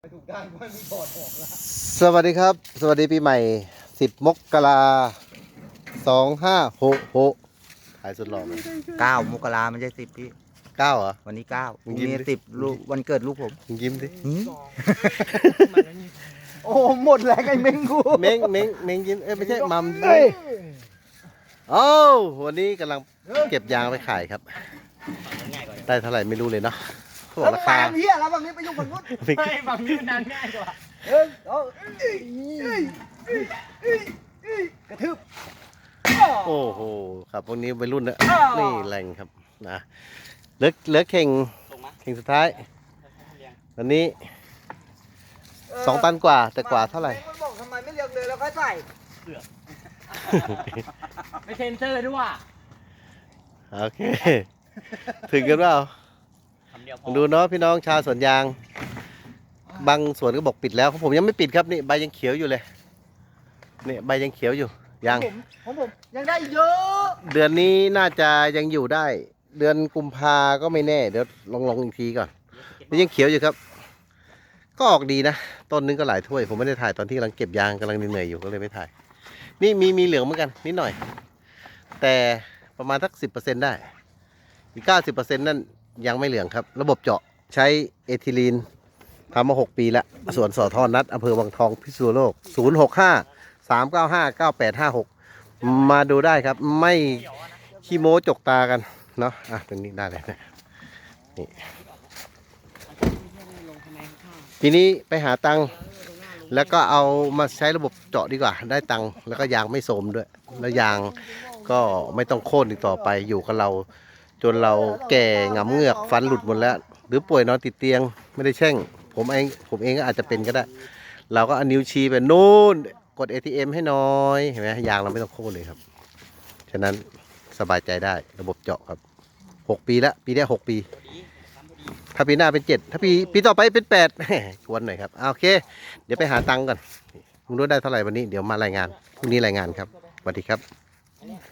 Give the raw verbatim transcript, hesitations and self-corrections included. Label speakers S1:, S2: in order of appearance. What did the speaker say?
S1: ถูกได้ว่ามีบอดออกแล้ว
S2: สวัสดีครับสวัสดีปีใหม่สิบมกราสองห้าหกหกถ่ายสุดหล่อเลย
S3: เก้ามกราไม่ใช่สิบพี่
S2: เก้าเหรอ
S3: วันนี้เก้า
S2: มึ
S3: วั
S2: ง
S3: น
S2: ยิ้ม
S3: นี้
S2: ดิ
S3: สิบลูกวันเกิดลูกผม
S2: มึงยิ้มดิ
S3: หืม
S1: โอ้หมดแรงไอ้เม้งกู
S2: เม้งเม้งเม้งยิ้มเอ้ยไม่ใช่มัม
S1: เฮ้ย
S2: โอ้วันนี้กำลังเก็บยางไปขายครับได้เท่าไหร่ไม่รู้เลยเนาะเขาบอก
S1: แล้ว
S2: รา
S1: มา
S2: คา
S1: เฮียแล้วบางนี้ไปยุ่งกับนู้น
S2: ไม่
S4: ไม่ฝั่งนี้มันนานง่ายกว่า
S1: เออเอากระทืบ
S2: โอ้โหครับพวกนี้วัยรุ่นนะนี่แรงครับนะเหลือเหลือเข่งเข่งสุดท้ายวันนี้สองตันกว่าแต่กว่าเท่าไหร่
S1: มันบอกทำไมไม่เรียงเลยแล้วค่อยใส่
S4: ไม่เซ็นเซอร์ด้วยว่ะ
S2: โอเค ถึงกันเปล่า
S4: คำเดียวพอ
S2: ดูเนาะพี่น้องชาวสวนยาง บางสวนก็บอกปิดแล้วของผมยังไม่ปิดครับนี่ใบยังเขียวอยู่เลยนี่ใบยังเขียวอยู่ยัง
S1: ผมของผมยังได้เยอะ
S2: เดือนนี้น่าจะยังอยู่ได้ เดือนกุมภาก็ไม่แน่เดี๋ยวลองลองอีกทีก่อนนี่ยังเขียวอยู่ครับ ก็ออกดีนะต้นนึงก็หลายถ้วยผมไม่ได้ถ่ายตอนที่กำลังเก็บยางกำลังเหนื่อยอยู่ก็เลยไม่ถ่าย นี่มีมีเหลืองเหมือนกันนิดหน่อย แต่ประมาณสักสิบเปอร์เซ็นต์ได้อีกเก้าสิบเปอร์เซ็นต์นั่นยังไม่เหลืองครับ ระบบเจาะใช้เอทิลีนทำมาหกปีแล้วสวนสอทอนัดอำเภอวังทองพิษณุโลกศูนย์หกห้าสามเก้าห้าเก้าแปดห้าหกมาดูได้ครับ ไม่ขี้โม้จกตากันเนาะอ่ะตรงนี้ได้เลยนะนี่ทีนี้ไปหาตังค์แล้วก็เอามาใช้ระบบเจาะดีกว่าได้ตังค์แล้วก็ยางไม่โสมด้วยแล้วยางก็ไม่ต้องโค่นอีกต่อไปอยู่กับเรา จนเราแก่หงำเหงือกฟันหลุดหมดแล้ว หรือป่วยนอนติดเตียงไม่ได้แช่งผมเองผมเองก็อาจจะเป็นก็ได้ เราก็เอานิ้วชี้ไปนู่นกด เอ ที เอ็ม ให้น้อยเห็นไหมยางเราไม่ต้องโค่นเลยครับฉะนั้นสบายใจได้ระบบเจาะครับหกปีแล้วปีนี้หกปี ถ้าปีหน้าเป็นเจ็ดถ้าปีปีต่อไปเป็นแปดชวนหน่อยครับโอเค เดี๋ยวไปหาตังค์ก่อนมึงรู้ได้เท่าไหร่วันนี้เดี๋ยวมารายงานพรุ่งนี้รายงานครับสวัสดีครับ